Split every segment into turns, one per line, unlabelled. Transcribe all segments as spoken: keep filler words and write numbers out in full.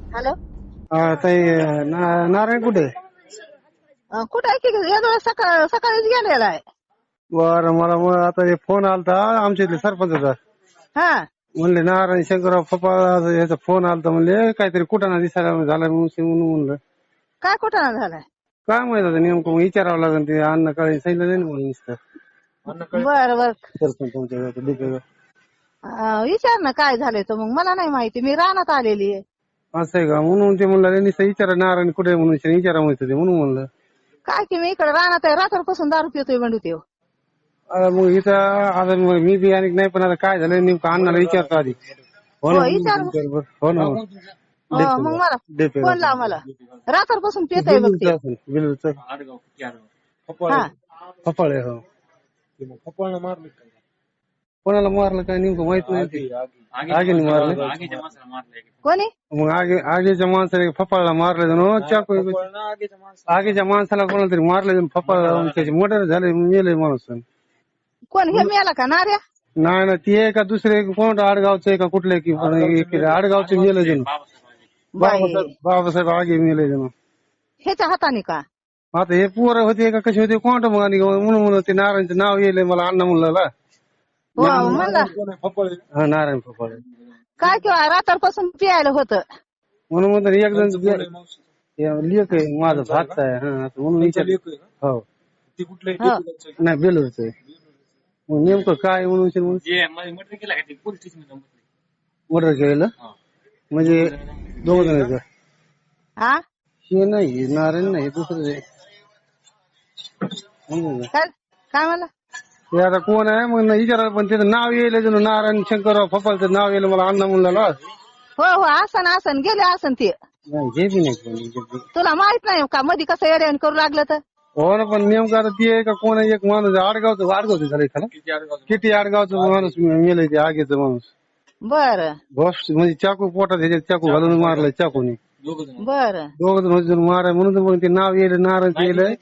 Hello.
हा ताई ना- नारायण कुठे?
अं, कुठं आहे की या सकाळ सकाळीच गेलेला आहे.
बरं मला मग आता हे फोन आलता आमच्या इथले सरपंचाचा.
हा
म्हणले नारायण शंकरराव फपाळ याचा फोन आलता म्हणले काहीतरी कुठाना दिसायला झाला म्हणून म्हणून म्हणलं
काय कुठं झालाय?
काय माहित आता नेमकं मग विचारावं लागेल ते अन्न काळे सांगितलं नाही ना म्हणून नुसतं
बर बर
सरपंच तुमच्या डीपीवर.
अं, विचार ना काय झालंय तर मग मला नाही माहिती, मी रानात आलेली आहे.
असं आहे का म्हणून ते म्हणलं नुसतं विचारा नारायण कुठे म्हणून विचारा म्हणत होते म्हणून म्हणलं.
काय की मी इकडे रानात आहे, रात्रपासून दारू पितोय बंडू तेव.
आता मग इथं आता मग मी बी आणि नाही पण आता काय झालं नेमकं अण्णाला विचारतो आधी. हो ना
हो विचार.
हो ना
हो मग मला फोन लाव, मला रात्रपासून पितोय बघ ते.
बिलूचं
हा
फपाळे हो. कोणाला मारलं काय नेमकं माहित नाही ते. आगीने मारलं
कोणी?
मग आगे आगीच्या माणसाने फपाळला मारले जण चाकू. आगीच्या माणसाला कोणाला तरी मारले जण फपाळ त्याचे मोठे झाले मेले माणूस.
कोण हे मेला का नार्या?
नाही ना ती आहे का दुसरे कोणतं आडगावचं आहे का कुठले की आडगावचे मेले जण. बाबासाहेब बाबासाहेब आगे मेले जण.
ह्याच्या हाताने का?
आता हे पोरं होते का कसे होते कोणतं मग आणि म्हणून म्हणून ते नारायणचं नाव येईल मला अण्णा म्हणलं.
हो म्हणला
हा नारायण फपाळे.
काय किंवा रात्रपासून पियायला होतं
म्हणून म्हणतात एक जण लेख आहे माझं भात आहे हा म्हणून विचार. हो
हो.
नाही बेलूरच आहे. मग नेमकं काय म्हणून मर्डर केलेलं म्हणजे दोघ जण
हा
हे नाही नारायण नाही दुसरं आहे.
काय काय म्हणला?
ते आता कोण आहे मग विचारा पण त्याचं नाव येईल जण नारायण शंकरराव फपाळचं नाव येईल मला अण्णा म्हणला.
हो हो आसन आसन गेले आसन ते.
नाही जे बी नाही.
तुला माहित नाही का मध्ये कसं येड्यान करू लागलं तर?
हो ना पण नेमकं आता ती आहे का कोण आहे एक माणूस आडगावचं आडगावचं झालं एखादा किती आडगावचं माणूस मेलंय ते आगीचं माणूस.
बर
बॉस म्हणजे चाकू पोटात ह्याच्यात चाकू घालून मारलाय चाकूने.
बर
दोघ जण माराय म्हणून तर मग ते नाव येईल नारायण येईल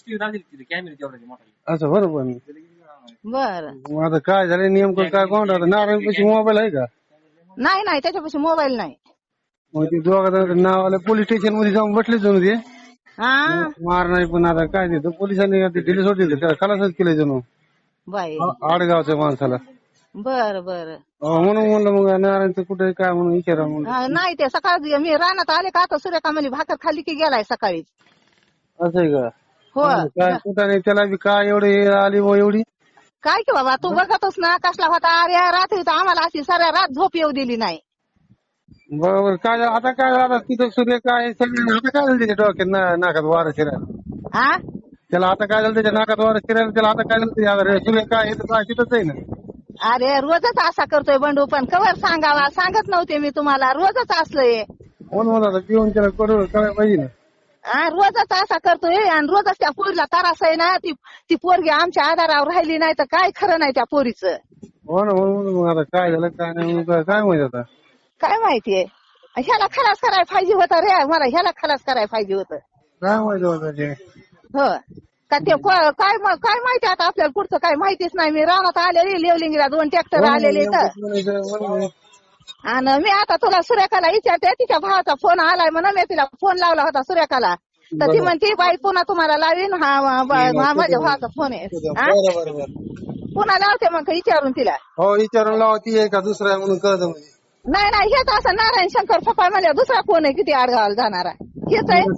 असं बरोबर.
बर
मग आता काय झालं नेमकं काय कोण नारायण पैसे मोबाईल आहे का?
नाही नाही त्याच्यापाशी मोबाईल नाही.
मग ते दोघा जण नाव आलं पोलीस स्टेशन मध्ये जाऊन बसले जणू ते
हा
मार नाही पण आता काय ते पोलिसांनी दिले सोडले त्याला खलासच केलं जणू
बाई
आडगावच्या माणसाला.
बर बर
म्हणून म्हणलं मग नारायणचं कुठे काय म्हणून विचारा म्हणून.
नाही ते सकाळी मी रानात आले का आता सूर्यका म्हणली भाकर खाली की गेलाय सकाळी.
असं आहे का?
हो
काय कुठं नाही त्याला बी काय एवढी आली मग एवढी.
काय की बाबा तू बघतोस ना कसला होता अरे रात्री तर आम्हाला अशी साऱ्या रात झोप येऊ दिली नाही.
बरोबर काय झालं आता काय झालं तिथं सूर्य काय सगळं आता काय झालं त्याच्या डोक्यात नाकात वारं शिरायला.
हा
त्याला आता काय झालं त्याच्या नाकात वारं शिरायला त्याला आता काय झालं सूर्य काय हे तर तिथंच आहे ना.
अरे रोजच असा करतोय बंडू पण कवर सांगावा सांगत नव्हते मी तुम्हाला रोजच असलंय.
म्हणून मला पिऊन त्याला करू करायला पाहिजे ना.
हा रोजच असा करतोय आणि रोजच त्या पोरीला त्रास आहे ना. ती ती पोरगी आमच्या आधारावर राहिली नाही तर काय खरं नाही त्या पोरीचं.
हो ना म्हणून मग आता काय झालं काय नाही काय माहिती आता.
काय माहितीये ह्याला खलास करायला पाहिजे होतं रे, मला ह्याला खलास करायला पाहिजे होतं.
काय माहिती होतं ते.
हो का ते काय काय माहिती आता आपल्याला पुढचं काय माहितीच नाही. मी रानात आलेली लेवलिंगला दोन ट्रॅक्टर आलेले तर आणि मी आता तुला सुरेखाला विचारते तिच्या भावाचा फोन आलाय म्हणून मी तिला फोन लावला होता सुरेखाला तर ती म्हणते बाई पुन्हा तुम्हाला लावीन हा माझ्या भावाचा फोन आहे. पुन्हा लावते मग विचारून तिला.
हो विचारून लावा ती आहे का दुसरा आहे म्हणून कळतं.
नाही नाही हेच असं नारायण शंकर फपाळ म्हणजे दुसरा कोण आहे किती आडगावाला जाणारा हेच आहे.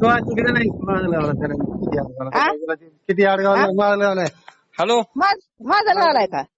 किती आडगाव.
हॅलो
माझं लावलाय का?